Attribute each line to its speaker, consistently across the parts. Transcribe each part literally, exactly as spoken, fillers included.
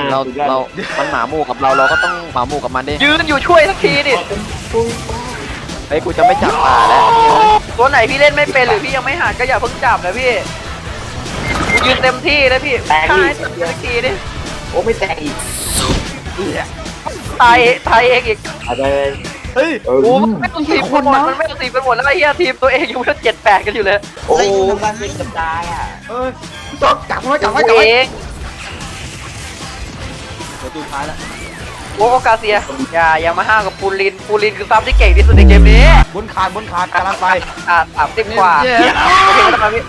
Speaker 1: เราเรามันหมาหมู่กับเราเราก็ต้องหมาหมู่กับมันดิ
Speaker 2: ยืนอยู่ช่วยสักทีดิ
Speaker 1: ไอ้กูจะไม่จับป่าแล้ว
Speaker 2: ตัวไหนพี่เล่นไม่เป็นหรือพี่ยังไม่หัดก็อย่าเพิ่งจับนะพี่กูยืนเต็มที่นะพี่ใช่สักทีดิ
Speaker 3: โอ้ไม่แตกอีก
Speaker 2: ตายตายเองอีก
Speaker 3: อะไร
Speaker 1: เฮ้ย
Speaker 3: เออ
Speaker 2: โอ้มันไม่ต้องทีมกันหมดมันไม่ต้องทีมกันหมดแล้วไอ้เหี้ยทีมตัวเองอยู่แค่เจ็ดแปดกันอยู่เลย
Speaker 3: โอ้มันเป็นกับตายอ่ะ
Speaker 1: เอ้ยจับจับไว้จับไว้จับ
Speaker 2: ตัว
Speaker 1: ไว้
Speaker 2: เอง
Speaker 1: ตัวสุดท้ายแล้ว
Speaker 2: โอ้โอกาเซียอย่าอย่ามาห้าวกับปูลินปูลินคือซับที่เก่งที่สุดในเกมนี้
Speaker 1: บนขาดบนขาดกำลังไป
Speaker 2: อ่าสามสิบกว่าโอเคแล้วมาพี่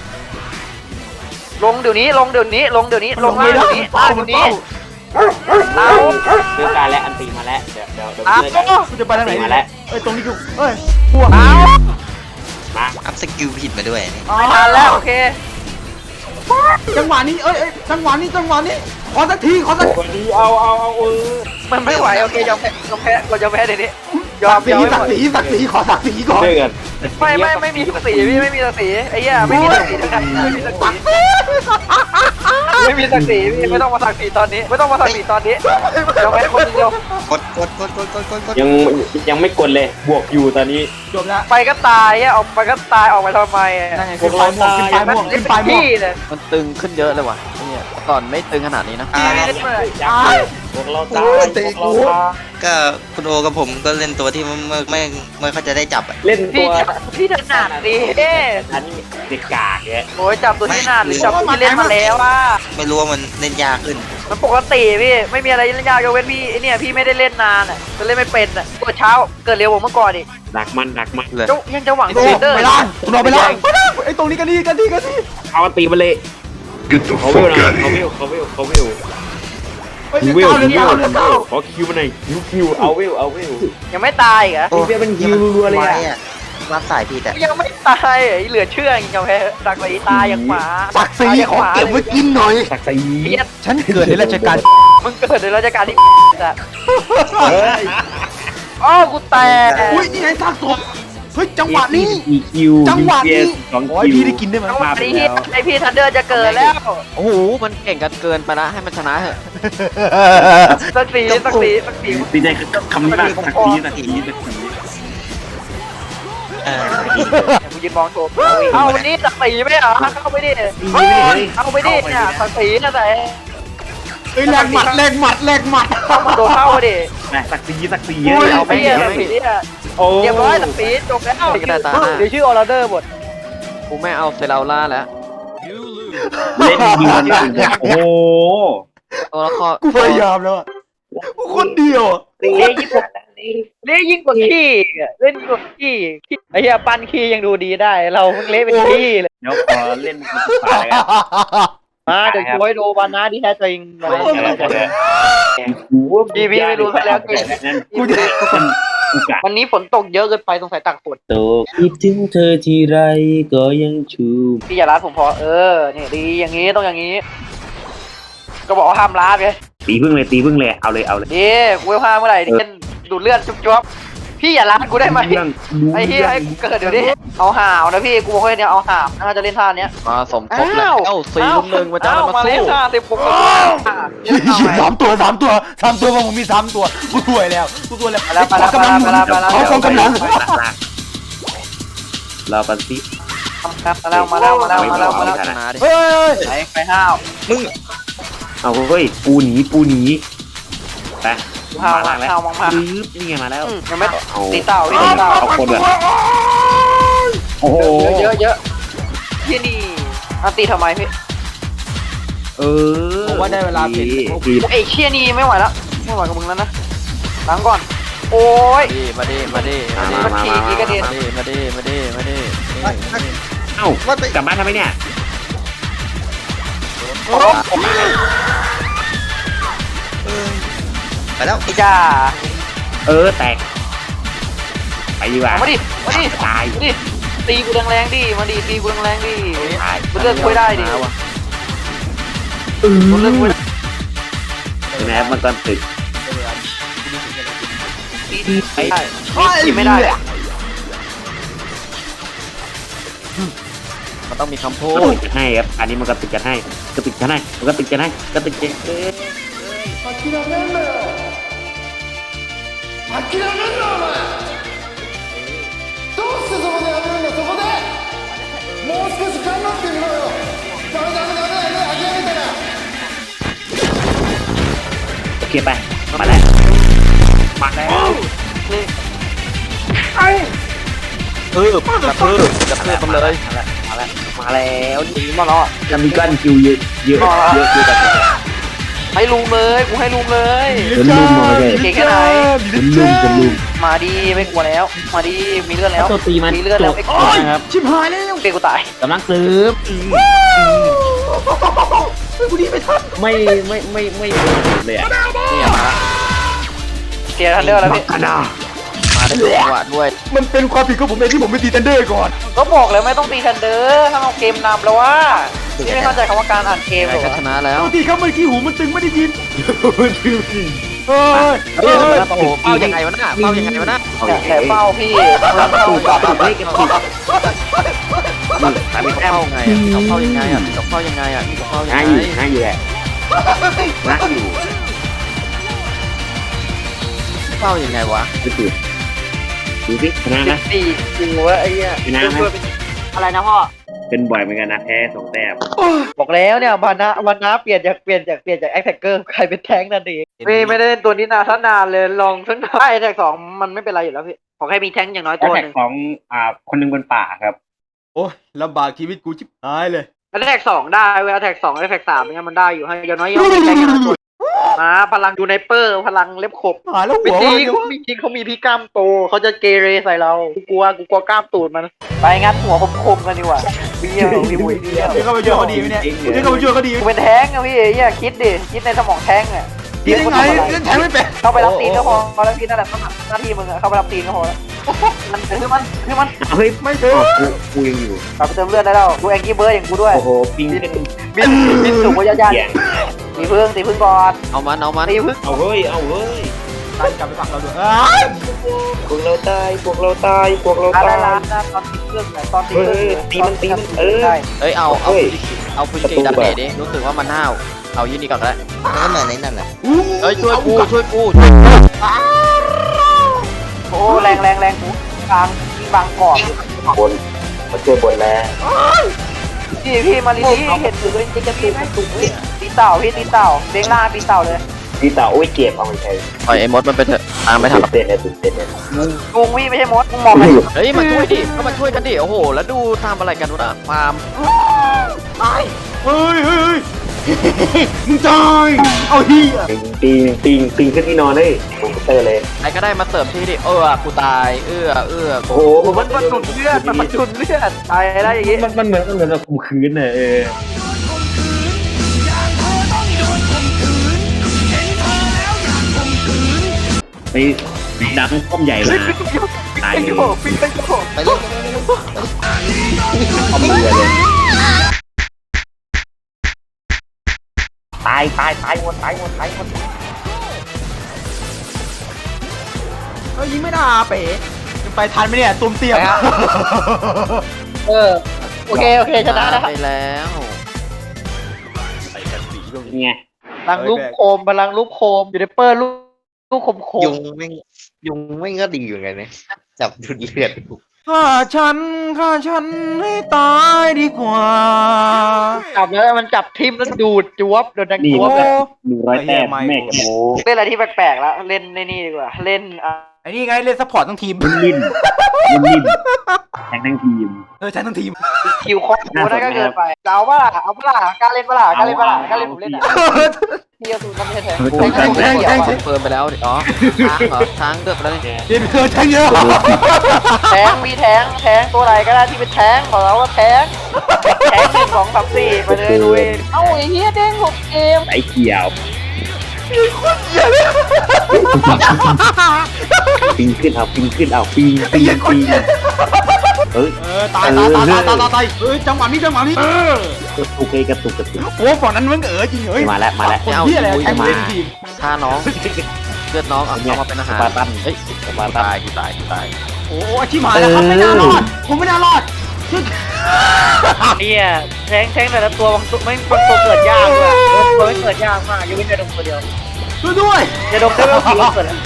Speaker 2: ลงเดี๋ยวนี้ลงเดี๋ยวนี้ลงเดี๋ยวนี้ลงมาเดี๋ยวนี้มาเดี๋ยวนี้เอา
Speaker 3: เรื่องการและอันตีมาแล้วเดี๋ยวเดี๋ยวเดี๋ยว
Speaker 2: เอา
Speaker 3: เพื่อน
Speaker 1: กูจะไปทางไหน
Speaker 3: มาแล้ว
Speaker 1: เอ้ยตรงนี้กูเอ้ยพวก
Speaker 2: เอา
Speaker 3: มา
Speaker 4: อัพสกิลผิดมาด้วยนี่
Speaker 2: ไม่ทันแล้วโอเค
Speaker 1: จังหวะนี้เอ้ยเอ้ยจังหวะนี้จังหวะนี้ขอสักทีขอสัก
Speaker 3: วันนี้เอาเอาเอาเออ
Speaker 2: มันไม่ไหวโอเคยอมแพ้ยอมแพ้เรายอมแพ้เดี๋ยวนี้ยอ
Speaker 1: สั
Speaker 2: ม
Speaker 1: กสี
Speaker 2: ยอม
Speaker 1: สักสีสักสีขอสักสีก่อน
Speaker 3: เรื่อง
Speaker 2: ไม่ไม่ไม่มีศักดิ์ศรีพี่ไม่มีศักดิ์ศรีไอ้เหี้ยไม่มีศักดิ์ศรีทั้งนั้นไม่มีศักดิ์ศรีไม่มีศักดิ์ศรีพี่ไม่ต้องมาศักดิ์ศรีตอนนี้ไม่ต้องมาศักดิ์ศรีตอนนี้ยอมแพ้คนเดียว
Speaker 4: กดกดกดกดกดกดกด
Speaker 3: ยังยังไม่กดเลยบวกอยู่ตอนนี้
Speaker 1: จบแล้ว
Speaker 2: ไปก็ตายอ่ะออกไปก็ตายออกไปทำไม
Speaker 1: นั่นไงขึ้นไปม่วงขึ้นไปม่วงขึ้นไปม่วง
Speaker 2: พี่เลย
Speaker 1: มันตึงขึ้นเยอะเลยว่ะเนี่ยก่อนไม่ตึงขนาดนี้นะ
Speaker 2: พี่ไม่ได้เปิด
Speaker 3: พวกเราตายพวกเราตาย
Speaker 4: ก็คุณโอกับผมก็เล่นตัวที่ไม่ไม่ไม่ไม่ค่อยจะได้จับอะ
Speaker 3: เล่นตั
Speaker 2: พี่
Speaker 3: ว
Speaker 2: พี่ถนัดดิเอ๊ะ
Speaker 3: อันนี้เด็กกากเนี่ย
Speaker 2: โอ้ยจับตัวที่ถนัดหรือจับตัวที่เล่นมาแล้วอ่ะ
Speaker 4: ไม่รู้ว่ามันเล่นยากขึ้น
Speaker 2: มันปกติพี่ไม่มีอะไรเล่นยากยกเว้นพี่ไอเนี่ยพี่ไม่ได้เล่นนานอ่ะจะเล่นไม่เป็นอ่ะเกิดเช้าเกิดเร็วกว่าเมื่อก่อนอีก
Speaker 3: ดักมันดักมัน
Speaker 4: เลย
Speaker 2: เจ้ายังจะหวัง
Speaker 1: ไอ้
Speaker 2: โด
Speaker 1: โด
Speaker 2: นเดอร์
Speaker 1: ไปล่างคุณโดไปล่างไปล่างไอ้ตรงนี้กันดีกันดีกันดี
Speaker 3: เอาอันตีมาเลย
Speaker 5: Get the
Speaker 3: เขา
Speaker 5: fuck
Speaker 3: วิวนะ
Speaker 5: out of
Speaker 3: เขา
Speaker 5: here.
Speaker 3: วิวเขาวิวเขาวิว
Speaker 1: เฮ้ย
Speaker 3: วิว
Speaker 1: เก้า
Speaker 3: วิ
Speaker 1: เดือน
Speaker 3: ว
Speaker 1: เก้าเดือนเก้า
Speaker 3: ขอคิวมาหน่อยคิวคิวเอาวิวเอาวิว
Speaker 2: ยังไม่ตายอีกเหรอ
Speaker 3: นี่เบี้ยเป็นคิวรัวๆเลย
Speaker 4: ไม้
Speaker 3: อ่ะ
Speaker 4: อะว่าสายผิดอะ
Speaker 2: ยังไม่ตายไอ้เหลือเชื่อจริงๆแพ้ดักไปตายอย่างหมา
Speaker 1: ศักดิ์ศรีขอเก็บไว้กินหน่อย
Speaker 3: ศักดิ์ศรี
Speaker 2: เหี้ย
Speaker 1: ฉันเกิดในราชการ
Speaker 2: มึงเกิดในราชการที่จะ
Speaker 3: เฮ้ย
Speaker 2: อ้อกูแตก
Speaker 1: อุ้ยนี่ไงซากศพเฮ้ยจังหวะนี้
Speaker 3: อีคิว
Speaker 1: จังหวะนี้
Speaker 3: สอง
Speaker 1: โอ้ย
Speaker 3: คิว
Speaker 1: พี่ได้กินได้ไหม
Speaker 2: จังหวะนี้ไอพี่ทันเดอร์จะเกิดแล้ว
Speaker 1: โอ้โหมันเก่งกันเกินไปละให้มันชนะเถอะ
Speaker 2: สักสีสักสีสักสี
Speaker 3: ตีใจคำนี้มากศักดิ์ศรีศักดิ์ศรีศักดิ์ศรี
Speaker 4: เออ
Speaker 2: กูยืนมองโถเอาวันนี้สักสีไม่เหรอเข้าไปดิเอาไปดิเนี่ยสักสีนะแต่
Speaker 1: เฮ้ยแรงหมัดแรงหมัดแรงหมัด
Speaker 2: เข้ามาโดนเข้าดิ
Speaker 3: นะศักดิ์ศรีศักดิ์ศรี
Speaker 2: เอา
Speaker 3: เอา
Speaker 2: ไป
Speaker 3: ไป
Speaker 2: เนี่ย
Speaker 3: เย
Speaker 2: สั
Speaker 3: อะ
Speaker 2: กสีเนี่ย
Speaker 3: โอ้
Speaker 2: เรียบร้อยสักสีจบแล้วเดี๋ยวชื่อออร์เดอร์หมด
Speaker 1: กูไม่เอาเซราล่าแล้ว
Speaker 3: เล่นยืนโอ้โห
Speaker 1: ตัวละครกูพยายามแล้วกูคนเดียว
Speaker 2: เล่ยิ่งกว่าเล่ยิ่งกว่าขี้เล่นกว่าขี้ไอ้เหี้ยปั้นขี้ยังดูดีได้ เราเพิ่งเละเป็นขี้เลย
Speaker 3: เดี๋ยวขอเล่นสุดท้ายกัน
Speaker 2: มาเดี๋ยวช่วยดูบานาที่แท้จริงนะ พี่พี่ไม่รู้ซะแล้วเก่ง
Speaker 3: กูจะคนกูกะ
Speaker 2: วันนี้ฝนตกเยอะเกินไปสงสัยตักฝน
Speaker 3: ตกคิดถึงเธอทีไรก็ยังชู
Speaker 2: พี่อย่ารัดผมพอเออนี่ดีอย่างนี้ต้องอย่างนี้ ก็บอกว่าห้ามรัดไง
Speaker 3: ตีพึ่งเลยตีพึ่งเลยเอาเลยเอาเลย
Speaker 2: ดีกูห้ามเมื่อไหร่ที่จะดูดเลือดจุ๊บจ๊บพี่อย่ารัดกูได้ไหม
Speaker 3: เรื่องรู้
Speaker 2: ไอ้ที่ให้กูเกิดเดี๋ยวนี้เอาห่าวนะพี่กูบอกให้เนี่ยเอาห่าวน่าจะเล่นท่าเนี้ย
Speaker 1: มาสมทบแล้วเอ้าสี่ลุมหนึ่งมาจ้ามา
Speaker 2: เล่
Speaker 1: สู้
Speaker 2: นท่าสิบผมก็
Speaker 1: สามตัวสามตัวสามตัวผมมีสามตัวกูรวยแล้วกูรวยแล้ว
Speaker 2: ไปแล้วไปแล้วไปแล้วไปแล้วไปแล้ว
Speaker 1: เขาคงกำลัง
Speaker 3: รอปันสิ
Speaker 2: มาแล้วมาแล้วมาแล้วมาแล้วมาแล้ว
Speaker 1: เฮ้ย
Speaker 2: ไปไปห้าว
Speaker 4: มึง
Speaker 3: เอาเฮ้ยปูหนีปูหนีไป
Speaker 2: ห้าว
Speaker 3: มาแล้ว
Speaker 2: ห้าวมาก
Speaker 3: ปึ๊บนี่ไงมาแล้ว
Speaker 2: ยังไม่
Speaker 3: เอา
Speaker 2: ตีเต่าพี่ตีเต่า
Speaker 3: เอาคนเลยโอ้โห
Speaker 2: เยอะเยอะที่นี่อันตีทำไมพี่
Speaker 3: เออ
Speaker 1: ผมว่าได้เวลาปิด
Speaker 3: ดี
Speaker 2: ไอ้เชี่ยนี่ไม่ไหวแล้วไม่ไหวกับมึงแล้วนะล้างก่อน โอ้ย
Speaker 1: มาดิมาดิมาดิ
Speaker 2: มันขี่กี่กระเด็น
Speaker 1: มาดิมาดิมาดิมาดิ
Speaker 3: เอ้ากลับบ้านทำไมเนี่ย
Speaker 4: ไปแล้ว
Speaker 2: ไอ้จ้า
Speaker 3: เออแตกไปดีกว่า
Speaker 2: มาดิมาดิ
Speaker 3: ตาย
Speaker 2: มาดิตีกูแรงๆดิมาดิตีกูแรงๆดิ
Speaker 3: ตาย
Speaker 2: มันเลือกคุยได้ดิ
Speaker 3: อื
Speaker 2: มันเลือกคุย
Speaker 3: แม้มันก็ตึก
Speaker 2: ไม่ได้ตีไม่ได้
Speaker 1: มันต้องมีคำพู
Speaker 3: ก็
Speaker 1: ด
Speaker 3: ตึกกันให้ครับอันนี้มันก็ตึกกันให้ก็ตึกกันให้มันก็ตึกกันให้ก็ตึกกันเอ้ยโอเคไปมาแล้วมาแล้ว
Speaker 2: เออมาแล้วเพิ่มจะเพิ่มมันเลย
Speaker 3: มาแล้วมาแล้ว
Speaker 2: ดีมากแล้ว
Speaker 3: จะมีก้อนคิวเยอะเยอะเยอะคือแบบ
Speaker 2: ให้ลุมเลยกูให้ลุมเลย
Speaker 3: เป็นลุมมาเลย
Speaker 2: เก่งแค่ไหน
Speaker 3: เป็นลุมเป็นลุม
Speaker 2: มาดีไม่กลัวแล้ว มาดีมีเลือดแล้ว
Speaker 3: ตัวตีมัน
Speaker 2: มีเลือดแล้วไอ้
Speaker 1: โอ้ยชิบหายแล้ว
Speaker 2: เกกูตาย
Speaker 3: กำลังซื้อ
Speaker 1: กูดีไปทัน
Speaker 3: ไม่ไม่ไม่ไม่เลยอ่ะ
Speaker 2: เนี่ยมาเสียทันเดอร์แล้วพี่
Speaker 3: กระดา
Speaker 2: มาได้จังหวะด้วย
Speaker 1: มันเป็นความผิดของผมเองที่ผมไม่ตีทันเดอร์ก่อน
Speaker 2: ก็บอกแล้วไม่ต้องตีทันเดอร์ถ้าเราเกมนำแล้วว่าพี่ไม่เข้าใจคำว่าการอ่านเกมหรอชนะแล้ว
Speaker 1: บางทีครับเมื่อกี้หูมันตึงไม่ได้ยินเฮ้ย
Speaker 2: เฮ้
Speaker 1: เฮ้
Speaker 2: ย
Speaker 1: ย
Speaker 2: โอ้โหเป้ายังไงวะน่ะเป้ายังไงวะน่ะแต่เป้าพี่
Speaker 3: ตูดตูดให้กับตูด
Speaker 2: แต่มีเป้าไงอ่ะมีเป้ายังไงอ่ะมีเป้ายังไงอ่ะมีเป้ายัง
Speaker 3: ง่าย
Speaker 2: ไง
Speaker 3: อยู่ง่ายอยู่แหละง่ายอยู่
Speaker 2: เป้ายังไงวะ
Speaker 3: ดูสิดูสิชนะนะ
Speaker 2: สี่จริงวะไอ้เหี้ย
Speaker 3: ชนะไหม
Speaker 2: อะไรนะพ่อ
Speaker 3: เป็นบ่อยเหมือนกันนะแพ้สองแต้ม
Speaker 2: บอกแล้วเนี่ยวันนะวันนะเปลี่ยนจากเปลี่ยนจากเปลี่ยนจากแอคแท็กเกอร์ใครเป็นแท้งนั่นเองไม่ไม่ได้เล่นตัวนี้นานท่านานเลยลองสักหน่อยแอคแท็กสองมันไม่เป็นไรอยู่แล้วพี่ขอแค่มีแท้งอย่างน้อย
Speaker 3: แล้
Speaker 2: ตัว ว
Speaker 3: แท็
Speaker 2: ห
Speaker 3: ก
Speaker 2: นึ่ง
Speaker 3: ของอ่าคนหนึงบนป่าครับ
Speaker 1: โอ้ยลำบากชีวิตกูชิบหายเลย
Speaker 2: แอคแท็กสองได้เว้ยแอคแท็กสองแอคแท็กสามเนี่ยมันได้อยู่ให้อย่างน้อยยังมีแท้งอย่างน้อยตัวอ่าพลังดูไนเปอร์พลังเล็บขบ
Speaker 1: หายแล้ว
Speaker 2: ไม่
Speaker 1: หัว
Speaker 2: จริ
Speaker 1: มัน
Speaker 2: งเขามีจริงเขามีพี่กล้ามโตเขาจะเกเรใส่เรากูกลัวกูกลัวกล้ามตูดมันไปงัดหัวคมๆกันดีกว่าเบี้ยวพี่บุ๋ยเบี้ยว
Speaker 1: เดี๋ยวเข้าไปช่วยเขาดีไหมเนี่ยเดี๋ยวเข้าไปช่วยเขาดี
Speaker 2: กูเป็นแท้งอะพี่เฮียคิดดิคิดในสมองแท้งอะ
Speaker 1: ดียังไงเล่นแทงไม่เป็น
Speaker 2: เข้าไปรับตีนก็พอพอแล้วพี่นั่นแหละต้องทำหน้าที่มึงอะเข้าไปรับตีนก็พอแล้วมันคือมันคือมัน
Speaker 3: เฮ้ย
Speaker 1: ไม่เป็น
Speaker 3: กูกูยังอยู่
Speaker 2: กลับไปเติมเลือดได้แล้วกูแองกี้เบิร์ดอย่างกูด้วย
Speaker 3: โอ้โหปิงเป็น
Speaker 2: บินบินสูงกว่ายา
Speaker 3: เสียง
Speaker 2: ๆตีพึ่งตีพึ่งก่อนเอามันเอามันตีพึ่ง
Speaker 3: เอาเฮ้ยเอาเฮ้ย
Speaker 1: ตันกลับไปฝั่งเราด้วย
Speaker 3: พวกเราตายพวกเราตายพวกเรา
Speaker 2: อะไร
Speaker 3: ตาย
Speaker 2: ล่ะตอนตีเครื่องไหนตอนตี
Speaker 3: เฮ้
Speaker 2: เครื่อง
Speaker 3: ยตีมันตีมันเออ
Speaker 2: เอ้ยเอาเอา
Speaker 3: เฮ้ย
Speaker 2: เอาพุนจิดับเบิลดิรู้สึกว่ามันห้าวเอายี่นี่ก่อนก็ได้
Speaker 4: มันก็เหมือนในนั่นแหละ
Speaker 2: เอ้ยช่วยกูช่วยกูโอ้แรงแรงแรงกูกลางยิงบางกอก
Speaker 3: บนมาช่วยบนแล้ว
Speaker 2: พี่พี่มาลีนี่เห็นถือเป็นจริงจะตีไหมตีเต่าพี่ตีเต่าเด้งล่าตีเต่าเลย
Speaker 3: พี่ตาโอ้ยเก็บเอาไปใช้
Speaker 2: ปล่อยไอ้มดมันไปเถอะตามไม่ทันหรอก
Speaker 3: เต้นเลยตื่นเต้นเลย
Speaker 2: งงวี่ไม่ใช่มดมึงมองอะไรเฮ้ยมาช่วยดิก็มาช่วยกันดิโอ้โหแล้วดูทำอะไรกันวะฟาร์ม
Speaker 1: เฮ้ยเฮ้ยมึงตายเอาเฮีย
Speaker 3: ปิงปิงปิงปิงขึ้นที่นอนเลยผมเตอร์เลย
Speaker 2: ใครก็ได้มาเสริมที่ดิเออกูตายเอื้อเอื้อ
Speaker 3: โอ้โห
Speaker 2: มันมันจุดเลือดมันจุดเลือดตายได้อย่างงี้
Speaker 3: มันมันเหมือนมันเหมือนเราข่มขืนน่ะเออไปดังป้อมใหญ่มาตาย
Speaker 2: ไอ้
Speaker 3: เลย
Speaker 2: โง่ปิ๊งไอ้โง่
Speaker 4: ไปเลย
Speaker 3: ป้อมเรือเลยตายตายตายหมดตายหมดตายหมด
Speaker 1: เฮ้ยยิงไม่ได้เป๋จะไปทันไหมเนี่ยตุ่มเตียม
Speaker 2: เออโอเคโอเคชนะแล้ว
Speaker 5: ไปแล้ว
Speaker 3: ไง
Speaker 2: พลังลูกโคมพลังลูกโคมยูนิเปอร์ลูกลูกโคมโค
Speaker 4: ยุ
Speaker 2: ม
Speaker 4: งไม่งยุงไม่งก็ดีอยู่ไงเนี่ยจับดูดเลือด
Speaker 1: ฆ่าฉันฆ่าฉันให้ตายดีกว่า
Speaker 2: จับแล้วมันจับทิมแล้วดูดจวบโดนดัง
Speaker 3: นี่
Speaker 2: จวบเลย
Speaker 3: หนึ่งร้อยแต้มแม่กับโม
Speaker 2: เล่นอะไรที่แปลกๆแล้วเล่นในนี่ดีกว่าเล่นอ่ะ
Speaker 1: ไอ้นี่ไงเล่นซัพพอร์ตทั้งทีม
Speaker 3: ลิ้นลิ้นลิ้นลิ้นแข่งทั้งทีม
Speaker 1: เออใช้ทั้งทีม
Speaker 2: คิวคอมโบได้ก็เกินไปเอาปะล่ะเอาปะล่ะกล้ารเล่นปะล่ะกล้ารเล่นปะล่ะกล้ารเล่นผมเล่นอ่ะพี่เอาสูตรมันไม่ใช่แทง
Speaker 5: กู
Speaker 1: แทงแทงแทง
Speaker 5: เฟิร์มไปแล้วอ๋อช้างเหรอช้างเดือบไปแล้วนี่
Speaker 1: เดี๋ยวเธอแทงเยอะ
Speaker 2: แทงมีแทงแทงตัวไหนก็ได้ที่เป็นแทงของเราก็แทงแทงหนึ่งสองสามสี่ไปเลยลุยเอ้าไอ้เหี้ยเด้งหกเกม
Speaker 3: ไอ้เกี่ยวปิงขึ้นเอาปิงขึ้นเอาปิงปิงปิงเฮ้ย
Speaker 1: เออตายตายตายตายตายตายตายเฮ้ยจังหวะนี้จังหวะนี้เออก
Speaker 3: ระตุกเลยกระตุกกระตุก
Speaker 1: โอ้ฝั่งนั้นมันเออจริงเหรอ
Speaker 3: มาแล้วมาแล้ว
Speaker 1: คนที่อะไรแทงเล่นทีม
Speaker 5: ฆ่าน้องเลือดน้องเอาเอามาเป็นอาหาร
Speaker 3: ปาตัน
Speaker 5: เฮ้ย
Speaker 3: ปา
Speaker 5: กู
Speaker 3: ตัน
Speaker 5: ตายกูตายกูตาย
Speaker 1: โอ้อาชีพหายแล้วครับไม่น่ารอดผมไม่น่ารอดช่วย
Speaker 6: เนี่ยแทงแทงแต่ละตัวบางตัวไม่บางตัวเกิดยากด้วยตัวไม่เกิดยากมากยังไม่เจอดงตัวเดียว
Speaker 1: ช่วยด้วย
Speaker 6: จะดงได้ไม่กี่เกิดแล้ว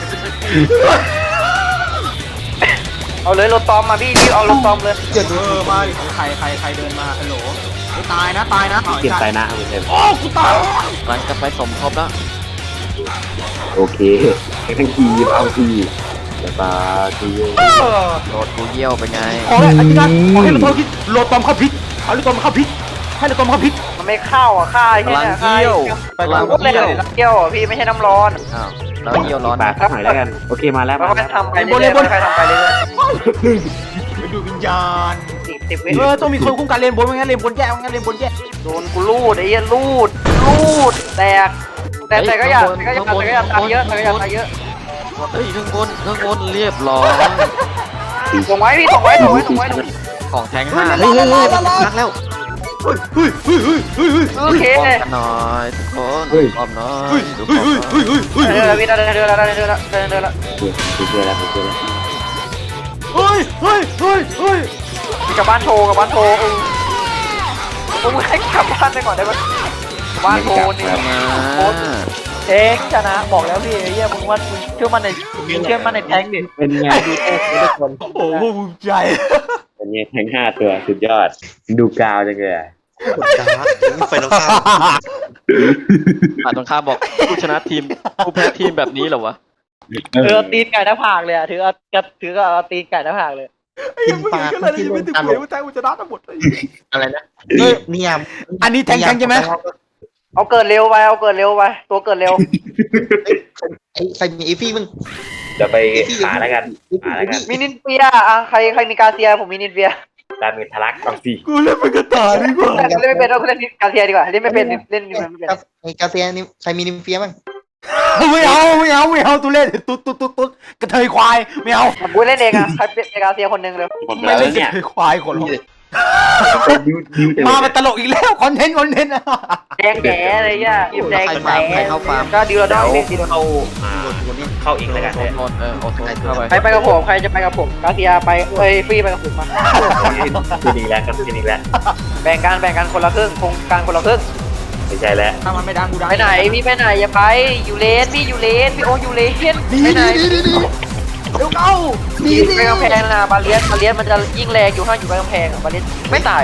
Speaker 2: เอาเลยรถตอมมาพี่พี่เอารถตอมเลย
Speaker 1: เออมาดิใครใครใครเดินมาฮัลโหลตายนะตายนะ
Speaker 3: เก็บไปนะเอาไปเลย
Speaker 1: โอ้กูตาย
Speaker 5: กำลังจะไปสมทบแล้ว
Speaker 3: โอเคทั้งทีมเอาทีแล้วก็ทีม
Speaker 5: รถกูเยี่ยวเป็นไง
Speaker 1: ขอเลยอธิการขอให้เราทอคิดโหลดตอมเข้าพิษเอาลูกตอมเข้าพิษให้ลูกตอมเข้าพิษ
Speaker 2: มันไม่เข้าอ่ะค่ายแค่เนี่ยค่าย
Speaker 5: กำลัง
Speaker 2: รถเลย
Speaker 5: เยี่ยว
Speaker 2: เกี่ยวอ่ะพี่ไม่ใช่น้ำร้อน
Speaker 5: อ้าวแล้วเยี่ยวร้อน
Speaker 3: ปากสักหน่อยแล้วกันโอเคมาแล้ว
Speaker 2: แล้ว
Speaker 3: มา
Speaker 2: ก็
Speaker 3: แล้ว
Speaker 2: ทำไปเรื่อยๆใครทำไปเรื่อย
Speaker 1: ไปดูวิญญาณ
Speaker 2: ๆสิบสิบวิ
Speaker 1: เออต้องมีคนคุ้มกันเลนบนไม่งั้นเลนบนแย่ไม่งั้นเลนบนแย่
Speaker 2: โดนกูลูดไอ้เหี้ยลูดลูดแตกแต่แต่ก็อย่าแต่ก็อย่าแต่ก็อย่าตายเยอะแต่ก็อย่าตายเยอะ
Speaker 5: เฮ้ยข้างบนข้างบนเรียบร้อย
Speaker 2: ส่งไว้พี่ส่งไว้ส่งไว้ส่งไว้
Speaker 5: ของแทงห้าเฮ้ยเฮ้ยเฮ้ยนักแล้ว
Speaker 1: เฮ้ยเฮ้ยเฮ้ยเฮ้ยเฮ้ยเฮ้ย
Speaker 2: โอเค
Speaker 5: ป้อม
Speaker 2: เลย
Speaker 5: กันหน่อยทุกคนป้อมหน่อย
Speaker 1: เฮ้ย
Speaker 5: ดู
Speaker 1: เฮ้
Speaker 5: ป้
Speaker 1: ย
Speaker 5: อมห
Speaker 1: เฮ้ย
Speaker 5: น่อย
Speaker 1: เฮ้ยเฮ้ยเฮ้ย
Speaker 2: เดินแล้วพี่เดินเดินแล้วเดินเดินแล้วเดินเดินแล้ว
Speaker 3: ไปเจอแล้วไปเจอแล้ว
Speaker 1: เฮ้ยเฮ้ยเฮ้ยเฮ้ย
Speaker 2: กลับบ้านโชว์กลับบ้านโชว์เออผมให้กลับบ้านไปก่อนได้ไหมบ้านโชว์นี่
Speaker 5: มา
Speaker 6: เอ็กชนะบอกแล้วพี่ไอ้เหี้ยมึงว่ามึงเชื่อมันในมึงเชื่อมันในแทงดิ
Speaker 3: เป็นไงดูแค่ทุกคน
Speaker 1: โอ้โหภูมิใจ
Speaker 3: เป็นไงแทงห้าตัวสุดยอดดูกาวจังเลย
Speaker 4: ไฟตรงข้าม
Speaker 5: ฝ่ายตรงข้ามบอกผู้ชนะทีมผู้แพ้ทีมแบบนี้เหรอวะ
Speaker 6: เออตีนไก่หน้าผากเลยอ่ะถือเอากับถือเอาตีนไก่หน้าผากเลย
Speaker 1: ไอ้ยังไม่ถึงกันเลยยังไม่ถึงเวลาแทงอุจจาระทั้งหมดเลย
Speaker 7: อะไรนะนี่นิยาม
Speaker 1: อันนี้แทงแทงใช่ไหม
Speaker 2: เอาเกิดเร็วไปเอาเกิดเร็วไปตัวเกิดเร็ว
Speaker 7: ไอ้ใครมีอีฟี่มึง
Speaker 3: จะไปหาแล้วกันหาแล้วกัน
Speaker 2: มีนินเฟียอ่ะใครใครมีกาเซียผมมีนินเฟีย
Speaker 3: ตามมีทะลักต้องสิ
Speaker 1: กูเล่นเป็นกระต่ายดีกว่า
Speaker 2: เล่นไม่เป็นเราเล่นกาเซียดีกว่าเล่นไม่เป็นเล่นนินไม่เป็น
Speaker 7: ไอ้กาเซียนี่ใครมีนิมเฟียมั้ง
Speaker 1: ไม่เอาไม่เอาไม่เอาตัวเล่นตุ๊ดตุ๊ดตุ๊ดตุ๊ดกระเทยควายไม่เอา
Speaker 2: ผมกูเล่นเองอ่ะใครเป็นกาเซียคนหนึ่งเลย
Speaker 3: ผม
Speaker 1: ไม่
Speaker 3: แล้ว
Speaker 1: เล่นก
Speaker 3: เนี่ย
Speaker 1: ระเทยควายขนลุก
Speaker 3: ดิวดิวจะ
Speaker 1: มาเป็นตลกอีกแล้วคอนเทนต์คอนเทนต์
Speaker 2: แดงแก่อะไรเงี้ยแดง
Speaker 5: ใคร
Speaker 2: แก่
Speaker 5: ฟาร์มใครเข้าฟาร์ม
Speaker 2: ก็ดีเราได้ดีเรา
Speaker 3: เข้าอ่าเข้าอีกแล้วกัน
Speaker 5: โซนโซนเออโอโซนเข้าไป
Speaker 2: ใครไปกับผมใครจะไปกับผมกาเซียไปเอ้ยฟรีไปกับผมมา
Speaker 3: คือดีแล้วครับคือดีแล้ว
Speaker 2: แบ่งกันแบ่งกันคนละครึ่งโครงการคนละครึ่ง
Speaker 3: ไม่ใช่แล้ว
Speaker 1: ถ้ามันไม่ดังกูดัง
Speaker 2: ไปไหนพี่ไปไหนอย่าไปอยู่เลนพี่อยู่เลนพี่โออยู่เลน
Speaker 1: ดี
Speaker 2: ไปไหน
Speaker 1: ดีดีดีเร็วเข้าดี
Speaker 2: อยู่
Speaker 1: ดี
Speaker 2: ไปกำแพงนะบาเลียนบาเลียนมันจะยิ่งแรงอยู่ถ้าอยู่ไปกำแพงอ่ะบาเลียนไม่ตาย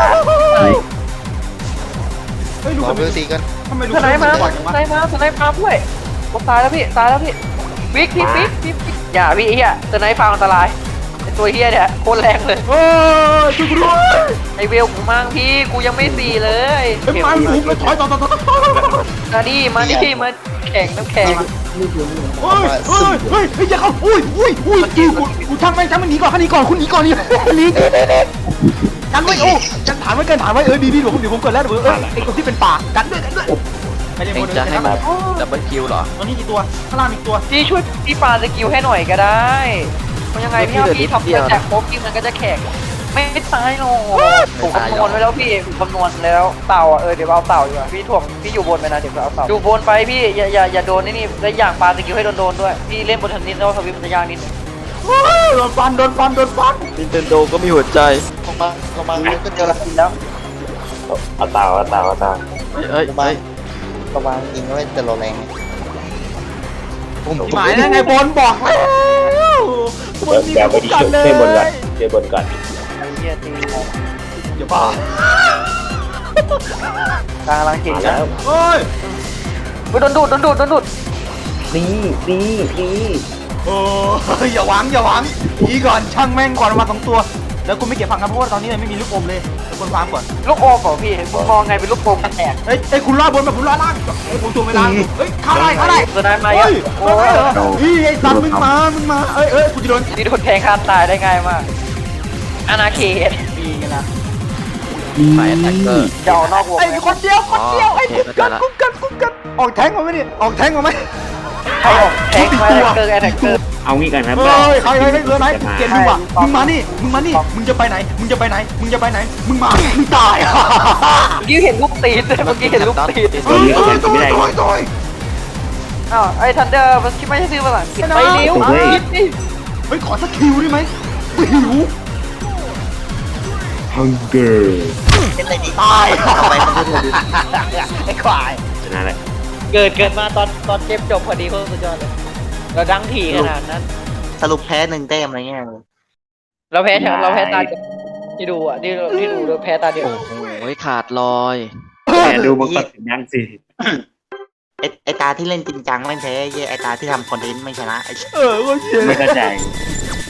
Speaker 1: เฮ้ยดู
Speaker 7: ขอ
Speaker 1: ทำไม
Speaker 7: เบลซีกัน
Speaker 1: ทำไมดู
Speaker 2: สไนป์มา
Speaker 1: บ่อย
Speaker 2: ส
Speaker 1: จังวะ
Speaker 2: ไนป์มาสไนป์มาด้วยผมตายแล้วพี่ตายแล้วพี่ปิ๊กพี่ปิ๊กพี่ปิ๊กอย่าพี่เฮียสไนป์ฟาอันตรายไอตัวเฮียเนี่ยโคตรแรงเลย
Speaker 1: เฮ้ยช่วยกูด้วย
Speaker 2: ไอเวลกูมั่งพี่กูยังไม่สี่เลย
Speaker 1: เฮ้ยมาหมูเลยถอยต่อต่อต่อต่อ
Speaker 2: มาดิมาดิมาแข่งน้ำแข็ง
Speaker 1: เฮ้ยเฮ้ยเฮ้ยเฮ้ยอย่าเข้าอุ้ยอุ้ยอุ้ยกูกูกูช่างแม่งช่างมันหนีก่อนข้าหนีก่อนคุณหนีก่อนนี่หนีกันไว้โอ้กันฐานไว้กันฐานไว้เออดีดีเดี๋ยวผมเดี๋ยวผมเกิดแล้วเดี๋ยวเออไอ้คนที่เป็นป่ากันด้วยกันด้วยไปเรียน
Speaker 5: เอ
Speaker 1: โม
Speaker 5: ง
Speaker 1: เดล
Speaker 5: จะให้
Speaker 1: นะ
Speaker 5: มาดับเบิลคิวเหรอ
Speaker 1: ตอนนี้กี่ตัวข้างล่างอีกตัว
Speaker 2: พี่ช่วยพี่ปาสกิลให้หน่อยก็ได้มันยังไงพี่เอาพี่ทำเพื่อแจกโป๊กกินมันก็จะแข็งไม่ตายหรอกผมคำนวณไว้แล้วพี่ผมคำนวณแล้วเต่าอ่ะเออเดี๋ยวเอาเต่าดีกว่าพี่ถ่วงพี่อยู่บนไปนะเดี๋ยวเอาเต่าอยู่บนไปพี่อย่าอย่าอย่าโดนนี่นี่และอย่างปาสกิลให้โดนโดนด้วยพี่เล่นบนทันนิดแล้วทวิตมันจะยากนิดนึง
Speaker 1: โดนฟันโดนฟันโดนฟัน
Speaker 5: นินเทนโดก็มีหัวใจ
Speaker 7: ลงมาลงมาก็เจอละ
Speaker 2: แล้ว
Speaker 3: เอาเตาเอาเตาเอาเตา
Speaker 5: เอ้ยเอ้ย
Speaker 7: ลงมา
Speaker 5: เอ้ย
Speaker 7: ลงมายิงก็ไม่จะรอแรงผม
Speaker 1: หมายแล้วไงบอลบอกแล้วบอลมี
Speaker 3: เดี๋ยวไป
Speaker 1: คุ้ม
Speaker 3: ที่
Speaker 1: กันเลย
Speaker 3: เชื่อบนก่อนเชื่อบนก่อน
Speaker 2: ไอ้เหี้ยตี
Speaker 1: อย่าบ้าก
Speaker 2: ลางกำลังเก่ง
Speaker 3: มา
Speaker 2: นะ
Speaker 3: แล้ว
Speaker 1: เฮ้ย
Speaker 2: โดนดูดโดนดูดโดนดูด
Speaker 3: นี่นี่นี่
Speaker 1: โอ้ยอย่าหวังอย่าหวังอีก่อนช่างแม่งก่อนมาสองตัวแล้วคุณไม่เก็บฟังครับเพราะว่าตอนนี้ไม่มีลูกอมเลยเดี๋ยวคนฟาร์มก่อน
Speaker 2: ลูกโอมเหรอพี่มึงมองไงเป็นลูกโป่งแตก
Speaker 1: เฮ้ยเฮ้ยคุณรอดบนแบบคุณรอดล่างเฮ้ยผมตัวไม่ล่างเฮ้ยเข้าได้เข้าได้
Speaker 2: ตัวนั้นมา
Speaker 1: เฮ้ย
Speaker 2: โอ้
Speaker 1: โอ้
Speaker 2: ย
Speaker 1: ยเหรอนี่ไอ้สันมึงมามึงมาเอ้ยเอ้ยกูจะโดน
Speaker 2: นี่โดนแทงคาตายได้ง่ายมากอนาเขต
Speaker 1: ดีกันนะ
Speaker 5: ฝ่ายแท็กเกอร์
Speaker 2: จะออกนอกวง
Speaker 1: ไอ้คนเดียวคนเดียว
Speaker 5: อ๋อ
Speaker 1: ไอ้
Speaker 5: โอเค
Speaker 1: กุ๊กกัน
Speaker 5: เข้าใจละ
Speaker 1: กุ๊กกันกุ๊กกันออกแทงมาไหมเนี่ยออกแทงมาไหม
Speaker 2: ใครออกแทงมาแท็กเกอร์แท็กเกอร์
Speaker 3: เอางี้กันครับ
Speaker 1: เฮ้ยใครใครใครเรือไหน
Speaker 3: จะมา
Speaker 1: เกมดูอ่ะมึงมานี่มึงมานี่มึงจะไปไหนมึงจะไปไหนมึงจะไปไหนมึงมามึงตายอ่ะ
Speaker 2: เมื่อกี้เห็นลูกตีนเมื่อกี้เห็นลูกตีน
Speaker 1: เฮ้ยเฮ้ยต่อยต่อยต่อย
Speaker 2: อ้าวไอ้ทันเดอร์มันไม่ใช่ชื่อภาษาอังกฤษไปเร็วคิดดิ
Speaker 1: เฮ้ยขอสักคิวได้ไหมกูหิว
Speaker 3: ฮังเกอร์
Speaker 7: เป็นอะไรดี
Speaker 1: ตาย
Speaker 7: เอาไปมันจะดู
Speaker 1: ไอ้ควาย
Speaker 3: ชนะเลย
Speaker 6: เกิดเกิดมาตอนตอนเกมจบพอดีโคตรสุดยอดเลยเราดังถี่ขนาดนั้น
Speaker 7: สรุปแพ้หนึ่งแต้มอะไรเงี้ย
Speaker 6: เราแพ้เราแพ้ตาเดียวที่ดูอ่ะที่ที่ดูเราแพ้ตาเดียว
Speaker 5: โอ้โหขาดลอย
Speaker 3: แต่ดูมันกดยังสิ
Speaker 7: ไอไอตาที่เล่นจริงจังไม่แพ้ไอ้ไอตาที่ทำคอนเทนต์ไม่ชนะไอ้
Speaker 1: เออก็เชีย
Speaker 3: ไม่เข้าใจ